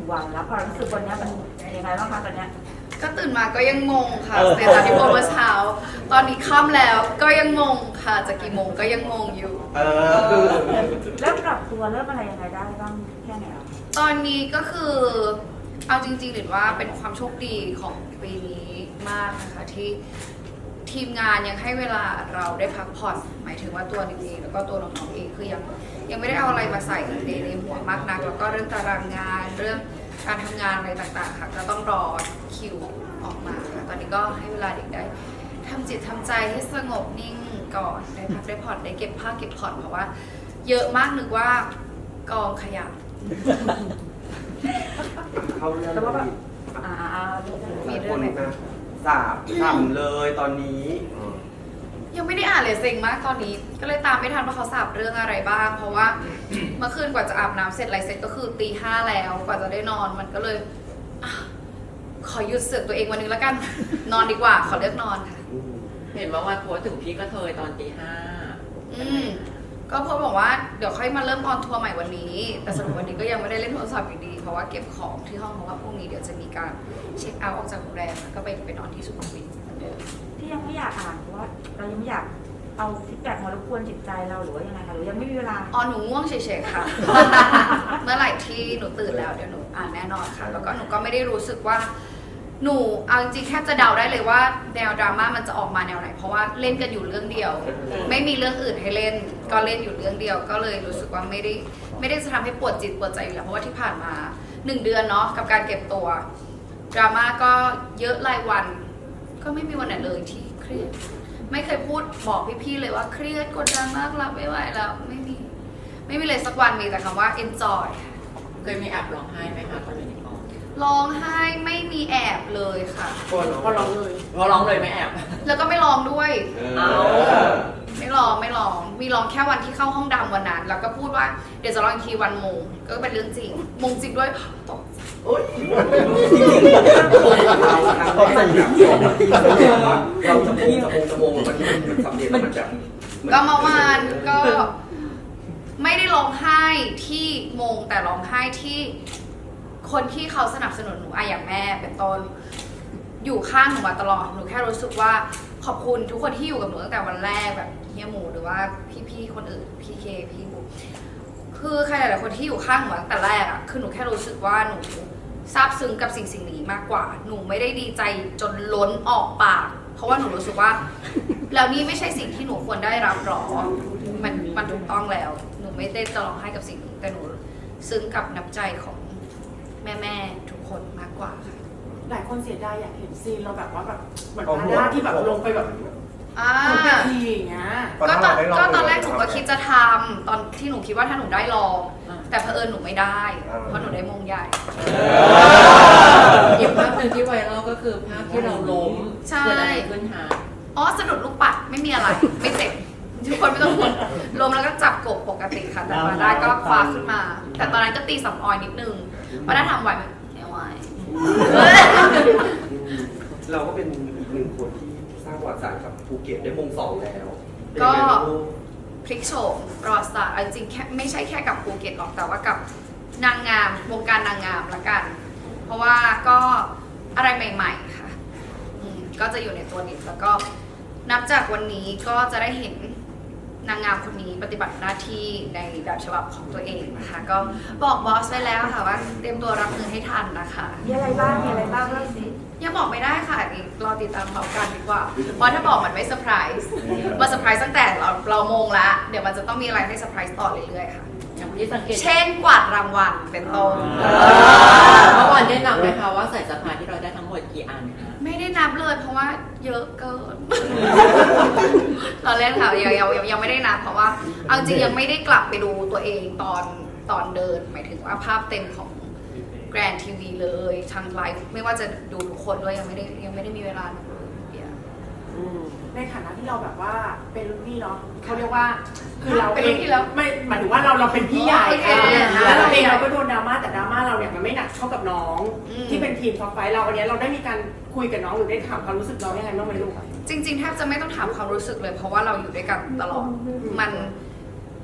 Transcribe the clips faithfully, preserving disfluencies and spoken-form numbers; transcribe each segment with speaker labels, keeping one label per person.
Speaker 1: วันแล้วความรู้สึกวันนี้มันยังไงบ้างคะตอนเนี้ย
Speaker 2: ก็ตื่นมาก็ยังงงค่ะเสร็จจากที่โพสเมื่อเช้าตอนนี้ค่ำแล้วก็ยังงงค่ะจากกี่โมงก็ยังงงอยู่
Speaker 3: เออ
Speaker 1: เริ่มปรับตัวเริ่มอะไรยังไงได้บ้างแค่ไหนอ่ะ
Speaker 2: ตอนนี้ก็คือเอาจริงๆหรือว่าเป็นความโชคดีของปีนี้มากนะคะที่ทีมงานยังให้เวลาเราได้พักผ่อนหมายถึงว่าตัวนิวเองแล้วก็ตัวน้องๆเองคือยังยังไม่ได้เอาอะไรมาใส่ในในหัวมากนักแล้วก็เรื่องตารางงานเรื่องการทำงานอะไรต่างๆค่ะก็ต้องรอคิวออกมาค่ะตอนนี้ก็ให้เวลาเด็กได้ทำจิตทำใจให้สงบนิ่งก่อนได้พักได้ผ่อนได้เก็บผ้าเก็บผ่อนเพราะว่าเยอะมากนึกว่ากองขยะ
Speaker 3: เขาเรื่องแต่ว่าแบบ
Speaker 2: มีเรื่องอะไร
Speaker 3: สาบทำเลยตอนนี้
Speaker 2: ยังไม่ได้อ่านเลยเซ็งมากตอนนี้ก็เลยตามไม่ทันว่าเขาสาบเรื่องอะไรบ้างเพราะว่าเมื่อคืนกว่าจะอาบน้ำเสร็จอะไรเสร็จก็คือตีห้าแล้วกว่าจะได้นอนมันก็เลยขอหยุดเสือกตัวเองวันนึงแล้วกันนอนดีกว่าขอเลือกนอนค่ะ
Speaker 4: เห็นว่าวันโพสถึงพี่กระเทยตอนตีห้า
Speaker 2: อืมก็โพสบอกว่าเดี๋ยวค่อยมาเริ่มออนทัวร์ใหม่วันนี้แต่สรุปวันนี้ก็ยังไม่ได้เล่นโทรศัพท์อยู่ดีเพราะว่าเก็บของที่ห้องเพราะว่าพรุ่งนี้เดี๋ยวจะมีการเช็คเอาท์ออกจากโรงแรมแล้วก็ไปไปนอนที่สุขุมวิทเหมือนเดิม
Speaker 1: ที่ยังไม่อยากอ่านเพราะว่าเรายังไม่อยากเอาฟีดแบ็กมารบกวนจิตใจเราหรือว่ายังไงคะหรือยังไม่มีเวลา
Speaker 2: อ๋อหนูง่วงเฉยๆค่ะ เมื่อไหร่ที่หนูตื่นแล้วเดี๋ยวหนูอ่านแน่นอนค่ะแล้วก็หนูก็ไม่ได้รู้สึกว่าหนูเอาจริงๆแค่จะเดาได้เลยว่าแนวดราม่ามันจะออกมาแนวไหนเพราะว่าเล่นกันอยู่เรื่องเดียวไม่มีเรื่องอื่นให้เล่นก็เล่นอยู่เรื่องเดียวก็เลยรู้สึกว่าไม่ได้ไม่ได้จะทำให้ปวดจิตปวดใจอยู่แล้วเพราะว่าที่ผ่านมาหนึ่งเดือนเนาะกับการเก็บตัวดราม่าก็เยอะรายวันก็ไม่มีวันไหนเลยที่เครียดไม่เคยพูดบอกพี่ๆเลยว่าเครียดกดดันมากรับไม่ไหวแล้วไม่มีไม่มีเลยสักวันมีแต่คำว่า enjoy
Speaker 4: เคยมีแอบร้องไห้ไหมคะตอนนี้
Speaker 2: ร้องไห้ไม่มีแอบเลยค่ะ
Speaker 4: พอร้องเลยพอร้องเลยไม่แอบ
Speaker 2: แล้วก็ไม่ร้องด้วย
Speaker 4: เอา
Speaker 2: ไม่ร้องไม่ร้องมีร้องแค่วันที่เข้าห้องดำวันนั้นแล้วก็พูดว่าเดี๋ยวจะร้องอีกทีวันมงก็เป็นเรื่องจริงมงจริงด้วยตก
Speaker 3: โอ๊ยเราจะมงจะมงจะมงมันมันสำเร็จมันแบบ
Speaker 2: ก็เมื่อวานก็ไม่ได้ร้องไห้ที่มงแต่ร้องไห้ที่คนที่เขาสนับสนุนหนูอะอย่างแม่เป็นต้นอยู่ข้างหนูมาตลอดหนูแค่รู้สึกว่าขอบคุณทุกคนที่อยู่กับหนูตั้งแต่วันแรกแบบเฮียหมูหรือว่าพี่ๆคนอื่นพี่เคพี่บุ๊คือใครหลายๆคนที่อยู่ข้างหนูตั้งแต่แรกอะคือหนูแค่รู้สึกว่าหนูซาบซึ้งกับสิ่งสิ่งนี้มากกว่าหนูไม่ได้ดีใจจนล้นออกปากเพราะว่าหนูรู้สึกว่าแล้วนี่ไม่ใช่สิ่งที่หนูควรได้รับหรอมันมันถูกต้องแล้วหนูไม่ได้จะร้องไห้กับสิ่งนี้แต่หนูซึ้งกับน้ำใจของแม่ๆทุกคนมากกว่าค่ะ
Speaker 5: หลายคนเสียดายอยากเห็นซีนเราแบบว่าแบบเหมือนหน้าที่แบบลงไปแบบ
Speaker 2: อ่า
Speaker 5: ทีอย่างเงี้ย
Speaker 2: ก็ตอนก็ตอนแรกหนูก็คิดจะทำตอนที่หนูคิดว่าถ้าหนูได้ลองแต่เผอิญหนูไม่ได้เพราะหนูได้มงใหญ่
Speaker 4: อีกภาพหนึ่งที่ไวรัลก็คือภาพที่เราล้ม
Speaker 2: ใช่
Speaker 4: ขึ้นหา
Speaker 2: อ๋อสะดุดลูกปัดไม่มีอะไรไม่เจ็บทุกคนไม่ต้องห่วงล้มแล้วก็จับกบปกติค่ะแต่มาได้ก็คว้าขึ้นมาแต่ตอนนั้นก็ตีสำออยนิดนึงว่าถ้าทำไหวไหมไม่ไหว
Speaker 3: เราก็เป็นอีกหนึ่งคนที่สร้างประวัติศาสตร์กับภูเก็ตได้มงสองแล้ว
Speaker 2: ก็พลิกโฉมประวัติศาสตร์จริงๆแค่ไม่ใช่แค่กับภูเก็ตหรอกแต่ว่ากับนางงามวงการนางงามละกันเพราะว่าก็อะไรใหม่ๆค่ะก็จะอยู่ในตัวนี้แล้วก็นับจากวันนี้ก็จะได้เห็นนางงามคนนี้ปฏิบัติหน้าที่ในแบบฉบับของตัวเองนะคะก็บอกบอสไว้แล้วค่ะว่าเตรียมตัวรับมือให้ทันนะคะ
Speaker 1: มีอะไรบ้างมีอะไรบ้างเล่าสิ
Speaker 2: ยังบอกไม่ได้ค่ะรอติดตามเขากันดีกว่าเพราะถ้าบอกมันไม่เซอร์ไพรส์มาเซอร์ไพรส์ตั้งแต่เราเรามงละเดี๋ยวมันจะต้องมีอะไรให้เซอร์ไพรส์ต่อเรื่อยๆค่ะเช่นกวาดรางวัลเป็นต้น
Speaker 4: เมื่อวานได้นับไหมคะว่าใส่สะพายที่เราได้ทั้งหมดกี่อันคะ
Speaker 2: ไม่ได้นับเลยเพราะว่าเยอะเกินเราเล่นค่ะยังยังยังไม่ได้นับเพราะว่าเอาจริงยังไม่ได้กลับไปดูตัวเองตอนตอนเดินหมายถึงว่าภาพเต็มของแกรนด์ทีวีเลยทางไลฟ์ไม่ว่าจะดูทุกคนด้วยยังไม่ได้ยังไม่ได้มีเวลาดูเลย
Speaker 5: ในฐานะที่เราแบบว่าเป็นรุ่นพี่เนาะเขาเรียกว่าคือเรา
Speaker 2: เป็นรุ่นพี่แล้ว
Speaker 5: ไม่หมายถึงว่าเราเราเป็นพี่ใหญ่แล้วเราเองเราก็โดนดราม่าแต่ดราม่าเราเนี่ยมันไม่หนักเท่ากับน้องที่เป็นทีมท็อปไฟเราอันนี้เราได้มีการคุยกับน้องหรือได้ถามความรู้สึกน้องยังไงบ้างไหมลูก
Speaker 2: จริงๆแทบจะไม่ต้องถามความรู้สึกเลยเพราะว่าเราอยู่ด้วยกันตลอดมัน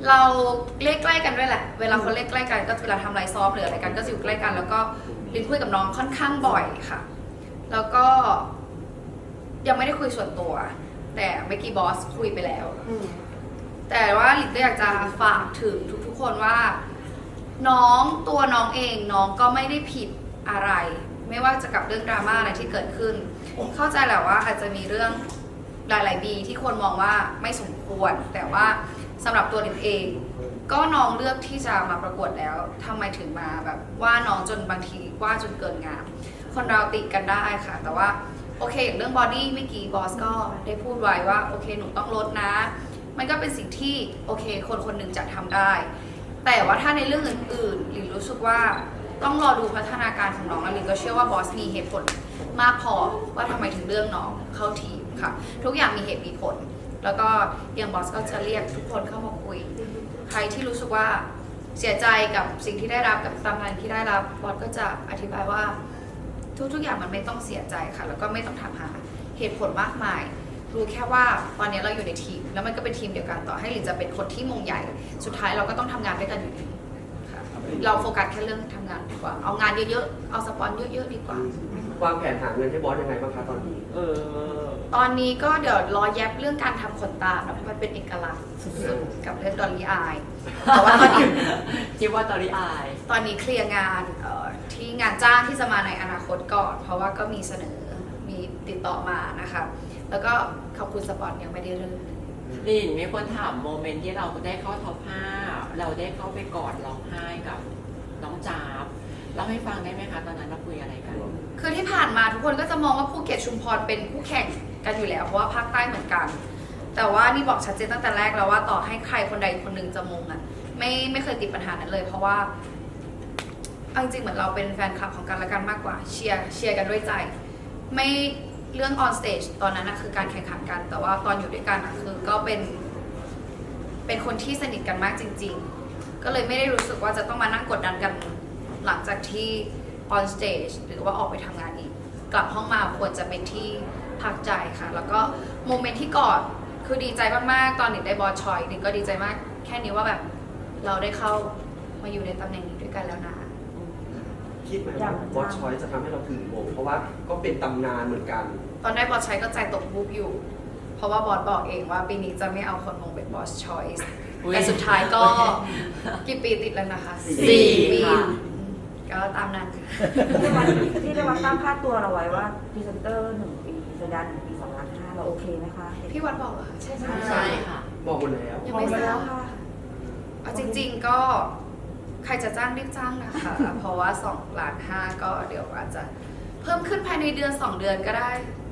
Speaker 2: เราเลขใกล้กันด้วยแหละ เวลาคนเลขใกล้กันก็เวลาทำไลฟ์ซอฟหรืออะไรกันก็จะอยู่ใกล้กัน แล้วก็ลินคุยกับน้องค่อนข้างบ่อยค่ะ แล้วก็ยังไม่ได้คุยส่วนตัว แต่เมื่อกี้บอสคุยไปแล้ว
Speaker 5: อืม
Speaker 2: แต่ว่าลินก็อยากจะฝากถึงทุกๆคนว่า น้องตัวน้องเองน้องก็ไม่ได้ผิดอะไร ไม่ว่าจะกับเรื่องดราม่าอะไรที่เกิดขึ้น เข้าใจแหละว่าอาจจะมีเรื่องหลายๆดีที่คนมองว่าไม่สมควร แต่ว่าสำหรับตัวลินเอง ก็น้องเลือกที่จะมาประกวดแล้วทำไมถึงมาแบบว่าน้องจนบางทีว่าจนเกินงามคนเราติกันได้ค่ะ แต่ว่าโอเคอย่างเรื่องบอดี้เมื่อกี้บอสก็ได้พูดไว้ว่าโอเคหนูต้องลดนะ มันก็เป็นสิ่งที่โอเคคนคนหนึ่งจะทำได้ แต่ว่าถ้าในเรื่องอื่นๆลินรู้สึกว่าต้องรอดูพัฒนาการของน้องแล้วลินก็เชื่อว่าบอสมีเหตุผลมากพอว่าทำไมถึงเลือกน้องเข้าทีมค่ะทุกอย่างมีเหตุมีผล แล้วก็อย่างบอสก็จะเรียกทุกคนเข้ามาคุยใครที่รู้สึกว่าเสียใจกับสิ่งที่ได้รับกับตำแหน่งที่ได้รับบอสก็จะอธิบายว่าทุกๆอย่างมันไม่ต้องเสียใจค่ะแล้วก็ไม่ต้องถามหาเหตุผลมากมายรู้แค่ว่าตอนนี้เราอยู่ในทีมแล้วมันก็เป็นทีมเดียวกันต่อให้ลินจะเป็นคนที่มงใหญ่สุดท้ายเราก็ต้องทำงานด้วยกันอยู่ดีค่ะเราโฟกัสแค่เรื่องทำงานดีกว่าเอางานเยอะๆเอาสปอนเยอะๆดีกว่า
Speaker 3: วางแผนหาเงินให้บอสยังไงบ้างคะตอนนี้
Speaker 4: เออ
Speaker 2: ตอนนี้ก็เดี๋ยวรอแยบเรื่องการทำขนตานะเพราะมันเป็นเอกลักษณ์สุดๆกับเรื่องดอลลี่อายแต่ว่าตอนนี้
Speaker 4: คิดว่าตอนนี้อาย
Speaker 2: ตอนนี้เคลียร์งานเอ่อที่งานจ้างที่จะมาในอนาคตก่อน เพราะว่าก็มีเสนอมีติดต่อมานะคะแล้วก็ขอบคุณสปอนยังไม่ได้เริ่ม
Speaker 4: ลินมีคนถามโมเมนต์ที่เราได้เข้าท็อปห้าเราได้เข้าไปกอดร้องไห้กับน้องจ๊าบเล่าให้ฟังได้ไหมคะตอนนั้นเราคุยอะไรกัน
Speaker 2: คือที่ผ่านมาทุกคนก็จะมองว่าภูเก็ตชุมพรเป็นคู่แข่งกันอยู่แล้วเพราะว่าภาคใต้เหมือนกัน แต่ว่านี่บอกชัดเจนตั้งแต่แรกแล้วว่าต่อให้ใครคนใดคนหนึ่งจะมงอ่ะไม่ไม่เคยติดปัญหานั้นเลย เพราะว่าเอาจริงๆเหมือนเราเป็นแฟนคลับของกันและกันมากกว่าเชียร์เชียร์กันด้วยใจ ไม่เรื่อง on stage ตอนนั้นนะคือการแข่งขันกัน แต่ว่าตอนอยู่ด้วยกันอะคือก็เป็นเป็นคนที่สนิทกันมากจริง ๆ ก็เลยไม่ได้รู้สึกว่าจะต้องมานั่งกดดันกันหลังจากที่ on stage หรือว่าออกไปทำงานอีก กลับห้องมาควรจะเป็นที่พักใจค่ะ แล้วก็โมเมนต์ที่กอดคือดีใจมากๆตอนหนิงได้บอสชอยหนิงก็ดีใจมากแค่นี้ว่าแบบเราได้เข้ามาอยู่ในตำแหน่งนี้ด้วยกันแล้วนะ
Speaker 3: คิดไหมว่าบอสชอยจะทำให้เราถึงมงเพราะว่าก็เป็นตำนานเหมือนกัน
Speaker 2: ตอนได้บอสชอยก็ใจตกบุบอยู่ เพราะว่าบอสบอกเองว่าปีนี้จะไม่เอาคนมงเป็นบอสชอยส์
Speaker 4: อุ๊ย
Speaker 2: แต่สุดท้ายก็กี่ปีติดแล้วนะคะ
Speaker 4: สี่
Speaker 2: ปี
Speaker 4: ค่ะ
Speaker 2: ก็ตามนั้นค่ะ
Speaker 1: ที่ได้วัดที่ได้วัดตั้งค่าตัวเราไว้ว่าพรีเซนเตอร์หนึ่งปีสัญญาหนึ่งปีสองล้านห้าเราโอเคไหมคะ
Speaker 2: พี่วัดบอกเหรอคะใช่ไหม
Speaker 4: ใช่ค่ะ
Speaker 3: บอกหมดแล้ว
Speaker 2: ยังไม่ทราบค่ะเอาจริง ๆก็ใครจะจ้างรีบจ้างนะคะ เพราะว่าสองล้านห้าก็เดี๋ยวอาจจะเพิ่มขึ้นภายในเดือนสองเดือนก็ได้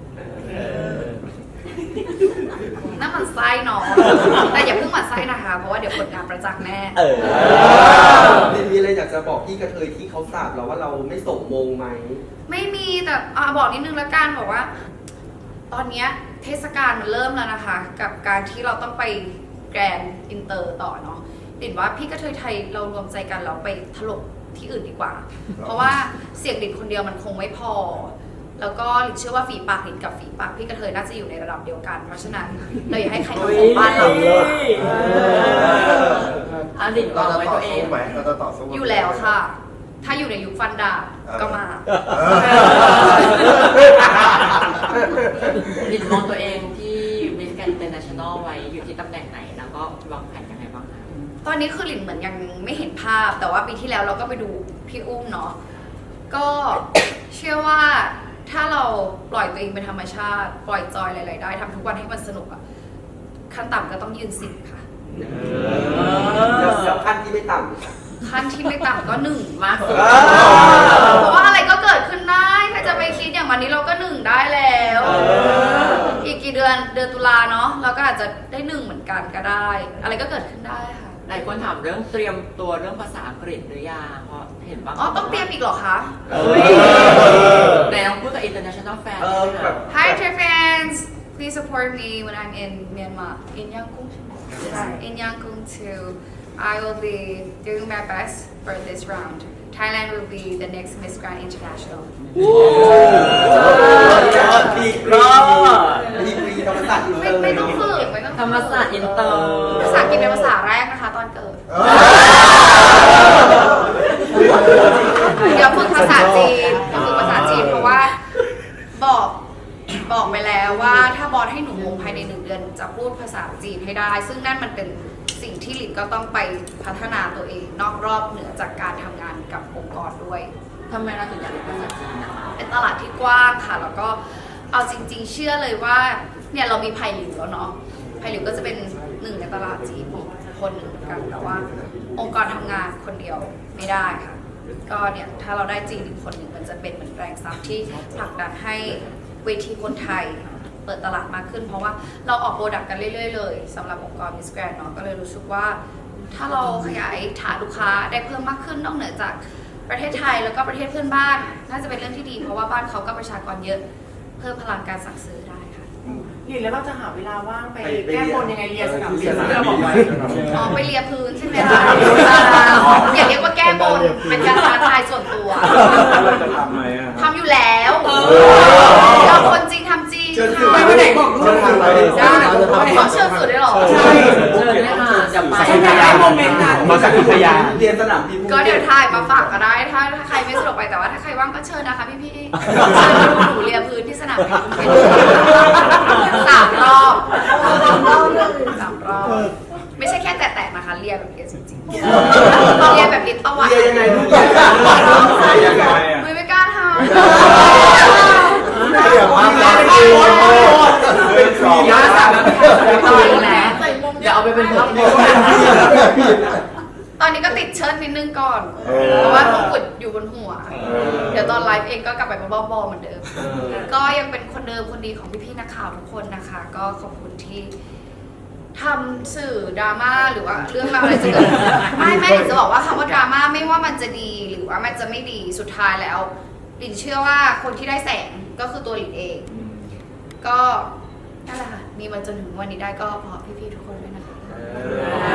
Speaker 2: น่าหมันไส้เนาะแต่อย่าเพิ่งหมันไส้นะคะ เพราะว่าเดี๋ยวผลงานประจักษ์แน่
Speaker 4: เออ
Speaker 3: ลินมีอะไรอยากจะบอกพี่กระเทยที่เขาสาบเราว่าเราไม่ส่งมงไหม
Speaker 2: ไม่มีแต่อ่ะบอกนิดนึงละกันบอกว่า ตอนเนี้ยเทศกาลมันเริ่มแล้วนะคะ กับการที่เราต้องไปแกรนด์อินเตอร์ต่อเนาะดินว่าพี่กระเทยไทยเรารวมใจกันเราไปถล่มที่อื่นดีกว่า เพราะว่าเสียงดินคนเดียวมันคงไม่พอ แล้วก็ลินเชื่อว่าฝีปากลินกับฝีปากพี่กระเทยน่าจะอยู่ในระดับเดียวกัน เพราะฉะนั้นเราอย่าให้ใครมาของบ้านเรา
Speaker 4: อันลินวาง
Speaker 6: เรา
Speaker 4: ไว้
Speaker 6: จะต่
Speaker 4: ตั
Speaker 6: อ
Speaker 4: วเอ
Speaker 6: สู้
Speaker 4: ง
Speaker 6: ไหมเราจะต่อสู้
Speaker 2: อยู่แล้วค่ะ ถ้าอยู่ในยุคฟันดาบก็มา
Speaker 4: ลินมองตัวเองที่ Miss Grand International ไว้อยู่ที่ตำแหน่งไหน แล้วก็วางแผนยังไงบ้างคะ
Speaker 2: ตอนนี้คือหลินเหมือนยังไม่เห็นภาพ แต่ว่าปีที่แล้วเราก็ไปดูพี่อุ้มเนาะก็เชื่อว่าถ้าเราปล่อยตัวเองเป็นธรรมชาติ ปล่อยจอยหลายๆได้ทำทุกวันให้มันสนุกอะขั้นต่ำก็ต้องยืนสิบค่ะ
Speaker 3: แล้วขั้นที่ไม่ต่ำ
Speaker 2: ขั้นที่ไม่ต่ำก็หนึ่ง
Speaker 4: มากสุด
Speaker 2: เพราะว่าอะไรก็เกิดขึ้นได้ใครจะไปคิดอย่างวันนี้เราก็หนึ่งได้แล้ว อีกกี่เดือนเดือนตุลาเนาะเราก็อาจจะได้หนึ่งเหมือนกันก็ได้ อะไรก็เกิดขึ้นได้ค่ะ
Speaker 4: หลายคนถามเรื่องเตรียมตัวเรื่องภาษาอังกฤษหรือยังเพราะเห็นบาง
Speaker 2: อ๋อต้องเตรียมอีกเหรอคะ
Speaker 4: แต่ต้องพูดกับ international fan
Speaker 3: เอ
Speaker 4: ใช่
Speaker 3: อ
Speaker 4: ไหม
Speaker 3: แบ
Speaker 4: คะ
Speaker 3: บ
Speaker 2: Hi Thai fans please support me when I'm in Myanmar in Yangon in Yangon too I will be doing my best for this round Thailand will be the next Miss Grand International
Speaker 3: ดีกรีดีกรีธรรมศาสตร์อินเต
Speaker 2: ไม่
Speaker 3: อร์
Speaker 2: ไม่ต้องฝึกไม่ต้องฝึก
Speaker 4: ธรรมศาสตร์อินเตอร์
Speaker 2: ภาษาอังกฤษเป็นภาษาแรกนะคะตอนสิ่งที่หลินก็ต้องไปพัฒนาตัวเองนอกรอบเหนือจากการทำงานกับองค์กรด้วย
Speaker 4: ทำไมเราถึงอยากเรียนภาษาจีนนะคะ
Speaker 2: เป็นตลาดที่กว้างค่ะ แล้วก็เอาจริง ๆ เชื่อเลยว่าเนี่ยเรามีไผ่หลิวแล้วเนาะไผ่หลิวก็จะเป็นหนึ่งในตลาดจีนคนหนึ่งเหมือนกันแต่ว่าองค์กรทำงานคนเดียวไม่ได้ค่ะ ก็เนี่ยถ้าเราได้จีนอีกคนหนึ่งมันจะเป็นเหมือนแรงซับที่ผลักดันให้เวทีคนไทยเปิดตลาดมากขึ้น เพราะว่าเราออกโปรดักต์กันเรื่อยๆเลยสำหรับองค์กร Miss Grand เนาะก็เลยรู้สึกว่า ถ้าเราขยายฐานลูกค้าได้เพิ่มมากขึ้นนอกเหนือจากประเทศไทยแล้วก็ประเทศเพื่อนบ้านน่าจะเป็นเรื่องที่ดีเพราะว่าบ้านเขาก็ประชากรเยอะเพิ่มพลังการสั่งซื้อได้ค่ะ
Speaker 5: หลินแล้วเราจะหาเวลาว่างไป
Speaker 3: ไปไป
Speaker 5: แก้
Speaker 3: เรียน
Speaker 5: บนยังไงเรียนสนามบิน
Speaker 3: เรียนสนามบิน
Speaker 5: ที่เราบอกไว้
Speaker 2: อ๋อไปเลียพื้นใช่ไหมคะอย่าเรียกว่าแก้บนเป็นการท้าทายส่วนตัว
Speaker 6: เราจะทำไหมอะครับ
Speaker 2: ทำอยู่แล้วเราคนจริงทำจริง
Speaker 3: เชิญสื่อ
Speaker 5: ไปวันไหนบอกด้วย
Speaker 3: เชิญทางไป
Speaker 5: ได้เราจะทำ
Speaker 2: ขอเชิญสื่อได้หรอ
Speaker 5: ใช่
Speaker 4: เชิญเลยค่ะจะไป
Speaker 5: ฉันอยากได้โมเมนต์นั้น
Speaker 6: มาจากพัทยา
Speaker 3: เรียนสนามบิน
Speaker 2: ก็เดี๋ยวถ่ายมาฝากก็ได้ถ้าถ้าใครไม่สะดวกไปแต่ว่าถ้าใครว่างก็เชิญนะคะพี่พี่ๆเชิญมาดูหนูเลียพื้นที่สนามบินสามรอบสามรอบไม่ใช่แค่แตะๆนะคะเลียแบบเลียจริงๆเลียแบบลิ้นตะวัน
Speaker 3: เรียนยังไงลูกเรียนยังไง
Speaker 2: ไม่ไม่กล้าทำ
Speaker 6: เดี๋ยวมาแล้ว
Speaker 3: เป็นครีม
Speaker 5: ยาสาม
Speaker 2: ไม่ต่อยแล้ว
Speaker 4: อย่าเอาไปเป็นพับ
Speaker 2: ตอนนี้ก็ติดเชิ้ตนิดนึงก่อน
Speaker 6: เออ
Speaker 2: เพราะว่ามงกุฎอยู่บนหัว
Speaker 6: เออ
Speaker 2: เดี๋ยวตอนไลฟ์เองก็กลับไปบ้าบอๆเหมือนเดิม ก็ยังเป็นคนเดิมคนดีของพี่ๆนักข่าวทุกคนนะคะ ก็ขอบคุณที่ทำสื่อดราม่าหรือว่าเรื่องราวอะไรจะเกิดขึ้นไม่ไม่หลินจะบอกว่าคำว่าดราม่าไม่ว่ามันจะดีหรือว่ามันจะไม่ดีสุดท้ายแล้วหลินเชื่อว่าคนที่ได้แสงก็คือตัวหลินเอง ก็นั่นแหละค่ะมีมาจนถึงวันนี้ได้ก็เพราะพี่ๆทุกคนด้วยนะคะ